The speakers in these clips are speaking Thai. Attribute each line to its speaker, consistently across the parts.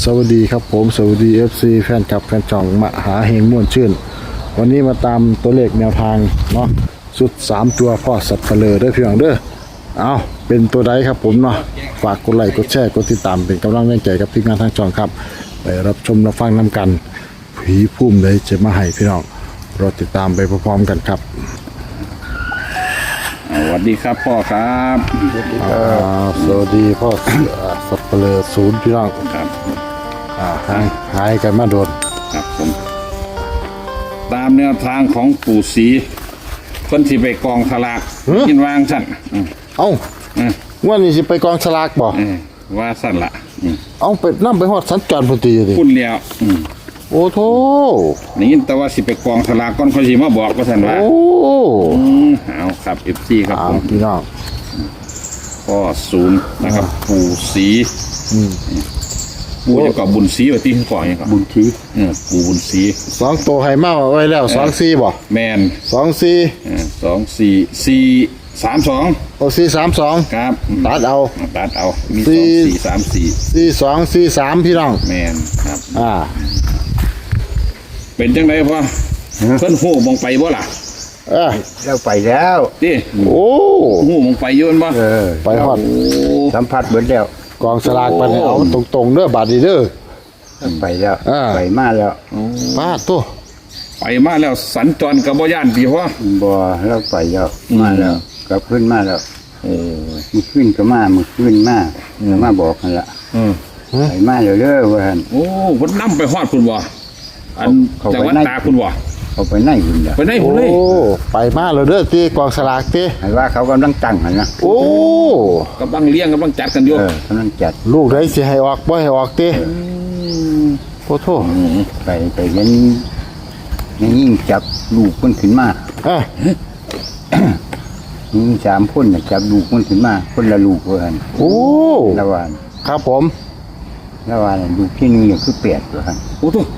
Speaker 1: วัสดีครับผมสวัสดี FC แฟนคลับแฟนจ่องมหาเฮงม่วนชื่นวันนี้มาตามตัวเลขแนวทางเนาะสุด3ตัวพ่อสับเปลือได้เพียงเด้อเอาเป็นตัวใดครับผมเนาะฝากกดไลค์กดแชร์กดติดตามเป็นกำลังแรงใจกับทีมงานทางจ่องครับไปรับชมรับฟังนำกันผีพุ่มเลยจะมาให้พี่น้องรอติดตามไปพร้อมๆกันครับ
Speaker 2: สวัสดีครับพ่อครับ
Speaker 1: สวัสดีพ่อสับเปลือศูนย์พี่น้อง
Speaker 2: ครับ
Speaker 1: หายกันมาโดน
Speaker 2: ครับผมตามแนวทางของปู่ศรีคนที่ไปกองสลากกินวางสั่น
Speaker 1: เอ้าว่านี่สิไปกองสลากบ่
Speaker 2: ว่าสั่นละ
Speaker 1: เอาไปนั่ไปฮอดสัญจรพอดีดิ
Speaker 2: พุ่นแล้ว
Speaker 1: โอ้โธ่
Speaker 2: นี่แต่ว่าสิไปกองสลากก่อนเขาสิมาบอกว่าสั่นว่า
Speaker 1: โอ้
Speaker 2: เอาครับเอฟซีครับผม
Speaker 1: พี่น้อง
Speaker 2: พ่อศูนย์นะครับปู่ศรีปู่จะกอบบุญศรีว่าที่ก่อนยังก่อน
Speaker 1: บุญที
Speaker 2: ปู่บุญศรี
Speaker 1: 2ตัวให้มาไว้แล้ว24บ่
Speaker 2: แมน
Speaker 1: 24
Speaker 2: 2 4 4 3 2
Speaker 1: โอ้432
Speaker 2: ครับ
Speaker 1: ตัดเอา
Speaker 2: ตัดเอามี
Speaker 1: สี่
Speaker 2: 2 4 3 4
Speaker 1: 4243พี่น้อง
Speaker 2: แมนครับ เป็นจังไดพ่อเพิ่นหูมองไปบ่ล่ะ
Speaker 3: เราไปแล้ว
Speaker 2: ติ
Speaker 1: โอ้
Speaker 2: หูมองไปโยนบ่
Speaker 1: ไปฮอด
Speaker 3: สัมผัสเบิดแล้ว
Speaker 1: กองสลากไปเนี่ยเอาตรงๆเด้อบาดนี้เด้อ
Speaker 3: ไปแล้ว ไปมาแล้ว
Speaker 1: ปาดตัว
Speaker 2: ไปมาแล้วสัญจรกับบ่ย่านพี่พ่อ
Speaker 3: บ่เราไปแล้วมาแล้วกลับขึ้นมาแล้วมือขึ้นก็มามือขึ้นมาบอกกันละไปมาแล้วเด้อว่าหั่น
Speaker 2: โอ้เพิ่นนำไปฮอดพุ่นบ่อัน
Speaker 3: เขา
Speaker 2: จัง
Speaker 3: ไป
Speaker 2: หวัด
Speaker 3: ไหน
Speaker 2: ตากพุ่นบ่
Speaker 3: เขาไปไหนคุณล่ะ
Speaker 2: ไปไหนพุ่น
Speaker 1: โอ้
Speaker 2: เลย
Speaker 1: ไปมาแล้วเด้อตีกองสลากตี
Speaker 3: ให้ว่าเขากำลังตั้งหั่นนะ
Speaker 1: โอ้
Speaker 2: กำลังเลี้ยงกำลังจัดกันอยู่
Speaker 3: กำลังจัด
Speaker 1: ลูกได้สิให้ออกบ่ให้ออกตีโอ้โธ่
Speaker 3: ไปเห็นยิ่งจับลูกมันขึ้นมา ยิ่ง3คนน่ะจับลูกมันขึ้นมาคนละลูกว่าหั่น
Speaker 1: โอ้
Speaker 3: ละว่า
Speaker 1: ครับผม
Speaker 3: ละว่าลูกที่1เนี่ยคือ8ว่าหั่น
Speaker 2: โอ้โห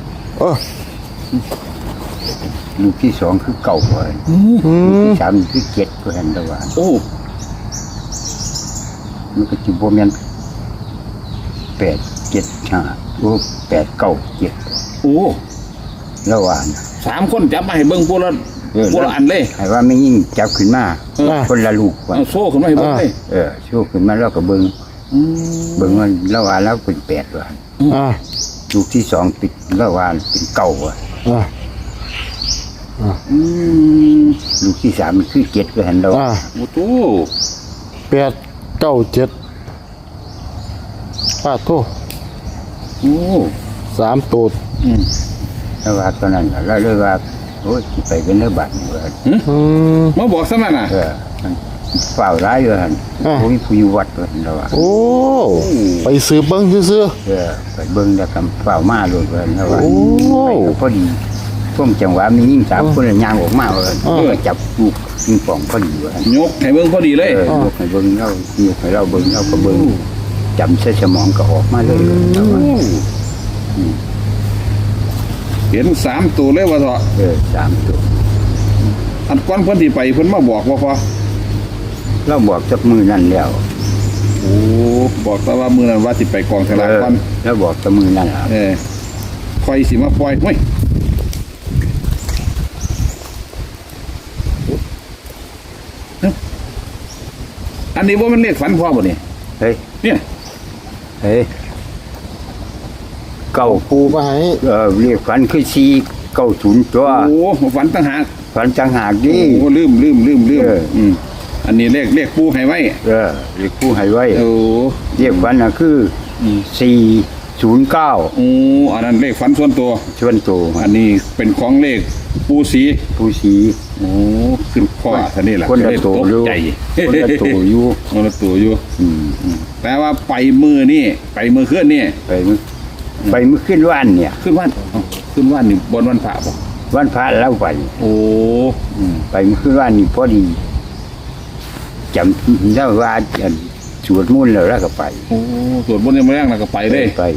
Speaker 3: ลูกที่2คือ9ว่าหั่นลูกที่3คือ7ว่าหั่นละว่า
Speaker 2: โอ้
Speaker 3: มันก็จิบแมน8 7 5 8 9 7
Speaker 2: โอ้
Speaker 3: แล้วว่านะ
Speaker 2: 3คนจับมาให้เบิ่งพวกละอันเลย
Speaker 3: ให้ว่าไม่ยิ่งจับขึ้นมาคนละลูกว่า
Speaker 2: เอาโซ่ขึ้นมาให้เบิ่งเลย
Speaker 3: ชูขึ้นมาแล้วก็เบิ่งว่าแล้วว่าแล้วเป็น8ว่า
Speaker 1: อ่า
Speaker 3: ลูกที่2ปิดแล้วว่าเป็น9ว่า ลูกที่3มันคือ7ว่าหั่นดอก
Speaker 2: โอ้โห
Speaker 1: 8 9 7ปาดโธ่
Speaker 2: โอ้
Speaker 1: 3ตัว
Speaker 3: แล้วว่าตอนนั้นเราเลยว่าโอ้ยสิไปเป็นเนื้อบัตรนี่ว่า
Speaker 2: มาบอกซะนั่นน่ะ
Speaker 3: มันฝ่าวร้ายว่าหั่นโอ้ยผู้อยู่วัดว่าหั่นแล้วว่า
Speaker 1: โอ้ไปซื้อเบิ่งซื่อ
Speaker 3: ไปเบิ่งแล้วก็ฝ่าวมาโลดว่าแล้วว่า
Speaker 1: โอ้
Speaker 3: ไปก็พอดีช่วงจังหวะมียิ่ง3คนย่างออกมาว่าก็จับลูกปิงปองพอดีว่าย
Speaker 2: กให้เบิ่งพอดีเลย
Speaker 3: ยกให้เบิ่งเรายกให้เราเบิ่งเราก็เบิ่งจำใส่สมองก็ออกมาเลยแล้วว่า
Speaker 2: เห็น3ตัวเลยว่าเถอะ
Speaker 3: 3ตัว
Speaker 2: อันก่อนเพิ่นสิไปเพิ่นมาบอกว่าพอ
Speaker 3: เราบอกจับมือนั่นแล้ว
Speaker 2: โอ้บอกแต่ว่ามื้อนั้นว่าสิไปกองสลากก่อน
Speaker 3: แล้วบอกจับมือนั่นล่ะ
Speaker 2: ค่อยสิมาปล่อยเฮ้ยอันนี้ว่ามันเลขฝันพ่อบ่นี่
Speaker 3: เฮ้ย
Speaker 2: เนี่ย
Speaker 3: เฮ้ยเก้า
Speaker 1: ๆปูมาให้
Speaker 3: เรียกฝันคือ490ตัว
Speaker 2: โอ้ฝันต่างหาก
Speaker 3: ฝันจังหากดิ
Speaker 2: โอ้ลืมอันนี้เลขปูให้ไว้
Speaker 3: เรียกผู้ให้ไว้
Speaker 2: โอ้
Speaker 3: เรียกฝันน่ะคือ409
Speaker 2: โอ้อันนั้นเลขฝันส่วนตัว
Speaker 3: ชวนโต
Speaker 2: อันนี้เป็นของเลขปูสี
Speaker 3: ผู้สี
Speaker 2: โอ้ขึ้นข้อท่านี่แหละ
Speaker 3: คนละ
Speaker 2: จะได้
Speaker 3: โต
Speaker 2: ก
Speaker 3: อยู่
Speaker 2: ใจ
Speaker 3: คนละโตอยู่
Speaker 2: คนละตัวอยู่แต่ว่าไปมือนี่ไปมือเคลื่อนนี่
Speaker 3: ไปมื้อขึ้นวันเนี่ย
Speaker 2: ขึ้นว่านขึ้นว่านนี่บนวันพระบ่
Speaker 3: วันพระแล้วไป
Speaker 2: โอ้
Speaker 3: ไปมื้อขึ้นวันนี่พอดีจำได้ว่าสวดมนต์แล้วก็ไป
Speaker 2: โอ้สวดบนยังไม่แรงแล้วก็ไปเลย
Speaker 3: ไป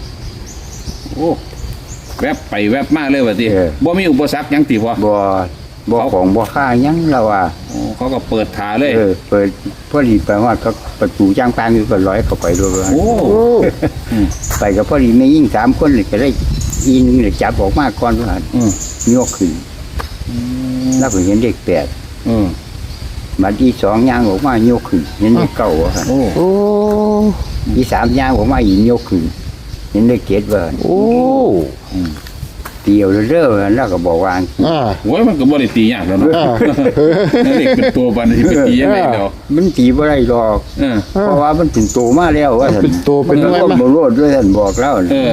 Speaker 2: โอ้แวบไปแวบมาเลยว่าติบ่มีอุปสรรคหยังติพอ
Speaker 3: บ่บ่ของบ่ค่าหยังแล้วว่า
Speaker 2: โอ้เขาก็เปิดถาเลย
Speaker 3: เปิดพอดีไปว่าก็ประตูจ้างปางอยู่ก็ร้อยเข้าไปด้วยว่า
Speaker 2: โอ้
Speaker 1: โอ้
Speaker 3: ไปก็พอดีไม่ยิ่ง3คนเลยก็ได้อีนึงเลยจับออกมาก่อนว่า
Speaker 2: อืม
Speaker 3: ยกขึ้นแล้วก็เห็นเด็ก8
Speaker 2: อืม
Speaker 3: บัดที่2ย่างออกมายกขึ้นเห็นเด็ก9ว่า
Speaker 2: โอ้
Speaker 1: โอ้
Speaker 3: ที่3ย่างออกมาอีกยกขึ้นเห็นเด็ก7ว่า
Speaker 1: โอ้
Speaker 3: เตียวเรื่อยๆแล้วก็บอกว่า
Speaker 1: อ่า
Speaker 2: โอ้ยมันก็บ่ได้ตียากแล้วเนาะ
Speaker 1: อ่า
Speaker 2: นั่นเด็กเป็นตัวบันที่ไปตียังไงเดี๋ยว
Speaker 3: มันตีบ่ได้หรอก
Speaker 2: เออ
Speaker 3: เพราะว่ามันเป็นโตมาแล้วว่าท่าน
Speaker 1: เป็นตัวเป็น
Speaker 3: มัน
Speaker 1: อะไร
Speaker 3: ก็
Speaker 1: มา
Speaker 3: บ่รอดด้วยท่านบอกแล้ว
Speaker 2: เออ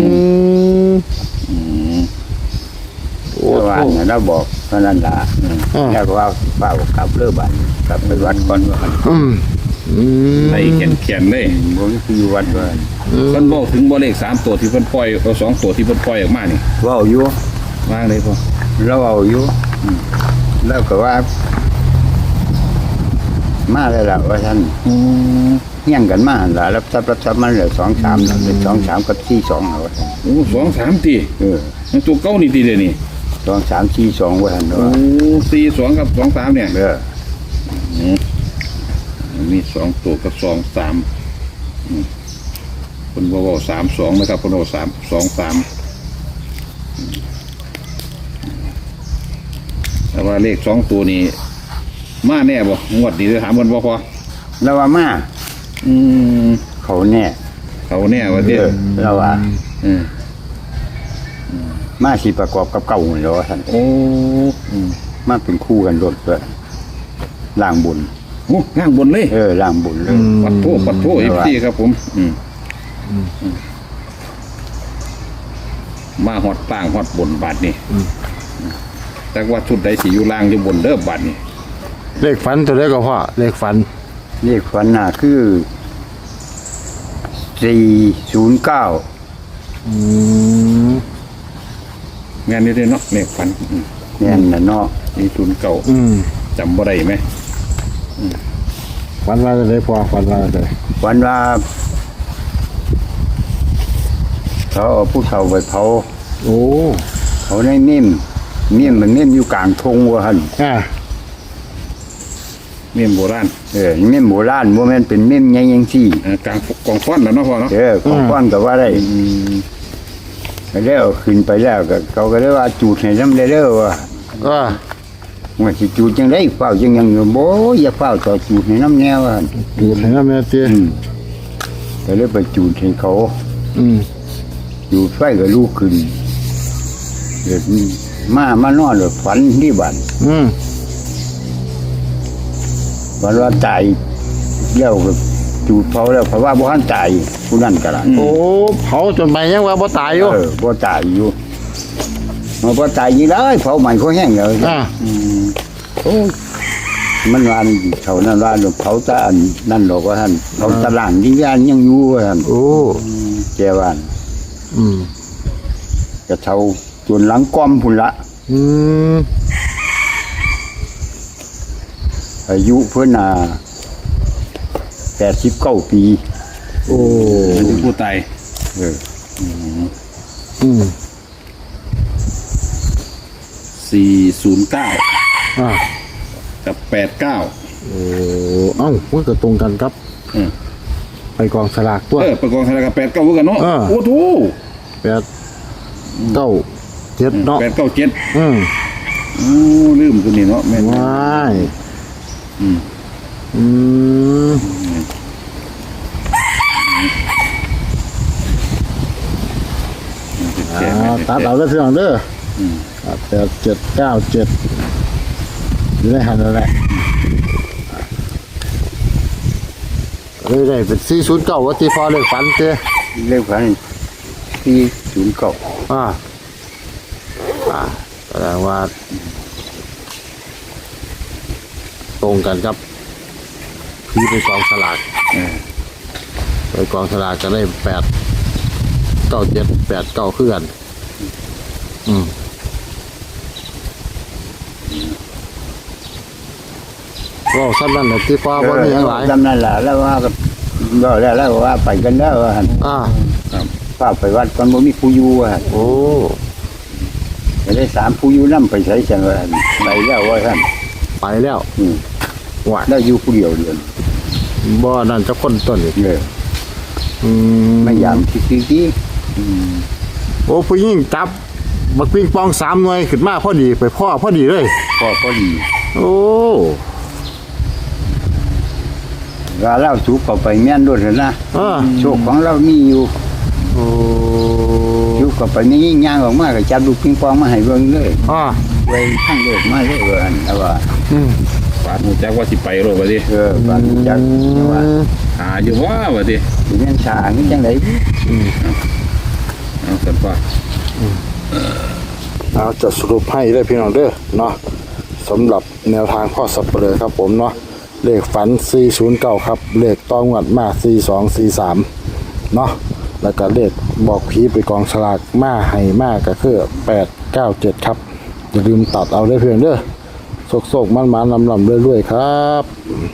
Speaker 1: อืมโอ้
Speaker 3: แต่ว่า
Speaker 1: โห
Speaker 3: เนี่ยเราบอกเท่านั้นล่ะ
Speaker 1: อ่า
Speaker 3: แล้วก็ว่าเฝ้ากลับเรือบัดกลับไปวัดก่อนว่า
Speaker 1: อืมอืม
Speaker 2: ไอ้เขียนเลย
Speaker 3: บ่มีคืออยู่วัดว่า
Speaker 2: เพิ่นบอกถึงบ่เลข3ตัวที่เพิ่นปล่อยเอา2ตัวที่เพิ่นปล่อยออกมานี่
Speaker 3: เว้าอยู่
Speaker 2: วางเลยพ่อ
Speaker 3: เราเว้าอยู่แล้วก็ว่า มาแล้วล่ะว่าท่าน
Speaker 2: อืม
Speaker 3: เฮี้ยงกันมาหั่นล่ะรับทรัพย์มันเหลือ2-3นั่นเป็น2-3กับ4-2เอาว่าซั่น
Speaker 2: โอ้2-3ตี มันตัวเก่านี่ตีเด้นี่
Speaker 3: 2-3-4-2ว่าท่าน
Speaker 2: โอ้
Speaker 3: ว่า
Speaker 2: 4-2กับ2-3เนี่ย
Speaker 3: เออ
Speaker 2: มี2ตัวกับ2-3เพิ่นบ่เว้า3-2นะครับเพิ่นเว้า2-3แต่ว่าเลข2ตัวนี้มาแน่บ่งวดนี้ถามเพิ่นบ่พอ
Speaker 3: แล้วว่ามา
Speaker 2: อืม
Speaker 3: เขาแน่
Speaker 2: เขาแน่ว่าเด้
Speaker 3: เราว่า
Speaker 2: อืม
Speaker 3: มาสิประกอบกับเก่าเหรอท่าน
Speaker 2: โอ้อืม
Speaker 3: มาเป็นคู่กันรถเลยล่างบุญ
Speaker 2: โอ้ข้างบนเลย
Speaker 3: ล่างบุญเลย
Speaker 2: ปัดโทเอฟซีครับผม มาฮอดต่างฮอดบนบาทนี่แต่ว่าชุดใดสิอยู่ล่างอยู่บนเด้อบาทนี่
Speaker 1: เลขฝันตัวเลขก็พ่อเลขฝัน
Speaker 3: เลขฝันน่ะคือ409
Speaker 1: อืม
Speaker 2: งานนี้เด้เนาะเลขฝัน
Speaker 3: เนี่ยน่ะเนาะ
Speaker 2: มีทุนเก่า
Speaker 1: อืม
Speaker 2: จำบ่ได้ไหม
Speaker 1: ฝันว่าจะได้พ่อฝันว่าจะได้
Speaker 3: ฝันว่าเขาเอาผู้เฒ่าไปเผา
Speaker 1: โอ้
Speaker 3: เขาในเม่มมันเม่มอยู่กลางทงว่าหั่น
Speaker 1: อ่า
Speaker 2: เมียนโบราณ
Speaker 3: เม่มโบราณบ่แม่นเป็นเม่มใหญ่จังซี่
Speaker 2: กลางกองฟ้อนแล้วเนาะพ่อเนาะ
Speaker 3: ของก้อนก็ว่าได้ก็แล้วขึ้นไปแล้วก็เขาก็ได้ว่าจูดให้น้ำได้เด้อว่า
Speaker 1: ก็
Speaker 3: ว่าสิจูดจังได๋เฝ้าจังยังอยู่บ่อย่าเฝ้าต่อจูดให้น้ำแนวว่า
Speaker 1: ดูให้น้ำแม่เตี้ย
Speaker 3: ก็เลยไปจูดให้เขา
Speaker 1: อืม
Speaker 3: จูดไฟก็ลุกขึ้นเดี๋ยวมานอนแล้วฝันที่บ้าน
Speaker 1: อืม
Speaker 3: ฝันว่าตายแล้วก็จูดเผาแล้วเพราะว่าบ่ทันตายผู้นั้นก็ล่ะ
Speaker 1: โอ้เผาจนไปยังว่าบ่ตายอยู่
Speaker 3: บ่ตายอยู่มันบ่ตายอยู่เลยเผาใหม่เขาแห้งแล้ว
Speaker 1: อ่า
Speaker 3: โอ้ยมันว่ามันอยู่เขานั่นว่าเผาตาอันนั่นหรอกว่าท่านเผาตะล่างวิญญาณยังอยู่ว่าท่าน
Speaker 1: โอ้
Speaker 3: แกว่า
Speaker 1: อืม
Speaker 3: กระเทาจนหลังก้อมพุ่นละ
Speaker 1: อืม
Speaker 3: อายุเพิ่นน่ะ89 ปี
Speaker 1: โอ้
Speaker 2: เป็นผู้ตาย
Speaker 3: เออ
Speaker 1: อืม
Speaker 2: 409
Speaker 1: อ่า
Speaker 2: กับ89
Speaker 1: โอ้เอ้ามันก็ตรงกันครับ
Speaker 2: อืม
Speaker 1: ไปกองสลากตัว
Speaker 2: ประกองธนาคาร89คือกันเนาะ
Speaker 1: อ่า
Speaker 2: โอ้โห
Speaker 1: 8 9 7เนาะ
Speaker 2: 897
Speaker 1: อืม
Speaker 2: โอ้ลืมตัวนี้เนาะแม่น
Speaker 1: ว้าย
Speaker 2: อืม
Speaker 1: อืมตัดเอาได้เพียงเด้อ8797อยู่ในหันนั่นแหละเลยได้เป็น409ว่าที่พอเลขฝันเจ้
Speaker 3: เลขฝัน409
Speaker 1: อ่าแสดงว่า ตรงกันครับพี่ไปกองสลากไปกองสลากก็ได้89789คือกันก็สั้นนั่นแหละที่ฟ้าว่ามีอย่างไร
Speaker 3: จำนั่นล่ะแล้วว่าก็แล้วว่าไปกันแล้วว่าหั่น
Speaker 1: อ่า
Speaker 3: ป้าไปวัดก่อนบ่มีผู้อยู่ว่าหั่น
Speaker 1: โอ้
Speaker 3: ก็ได้สามผู้อยู่น้ำไปใช้จังว่าไปแล้วว่าท่าน
Speaker 1: ไปแล้ว ว่า
Speaker 3: แล้วอยู่ผู้เดียวเดียว
Speaker 1: บ่นั่นจะคนต้นอีก
Speaker 3: เลย
Speaker 1: อืม
Speaker 3: ไม่ยามที่
Speaker 1: โอ้ผู้หญิงจับบักปิงปอง3หน่วยขึ้นมาพอดีไปพ่อพอดีเลย
Speaker 3: พอดี
Speaker 1: โอ้
Speaker 3: ว่าเล่าสูบเข้าไปแม่นด้วยนะ
Speaker 1: อ่า
Speaker 3: โชคของเรามีอยู่
Speaker 1: โอ้
Speaker 3: สูบเข้าไปไม่ยิ่งย่างออกมาก็จับลูกปิงปองมาให้เบิ่งเลย
Speaker 1: อ่า
Speaker 3: ไว้ข้างเลิกมาเลยว่าอันแต่ว่า
Speaker 2: ปาดหูจักว่าสิไปโลดว่าดิ
Speaker 3: บางจักว่า
Speaker 2: หาอยู่ว่าดิ
Speaker 3: สิแม่นชานี่จังได๋
Speaker 2: เอาสันพ่อ
Speaker 1: เอาจะสรุปให้ได้พี่น้องเด้อเนาะสำหรับแนวทางพ่อสับเปลือครับผมเนาะเลขฝัน409ครับเลขต้องวัดมา4243เนาะแล้วก็เลขบอกผีไปกองฉลากมาให้มาก็คือ897ครับอย่าลืมตัดเอาได้เพียงเด้อโศกๆมันๆลำๆเรื่อยๆครับ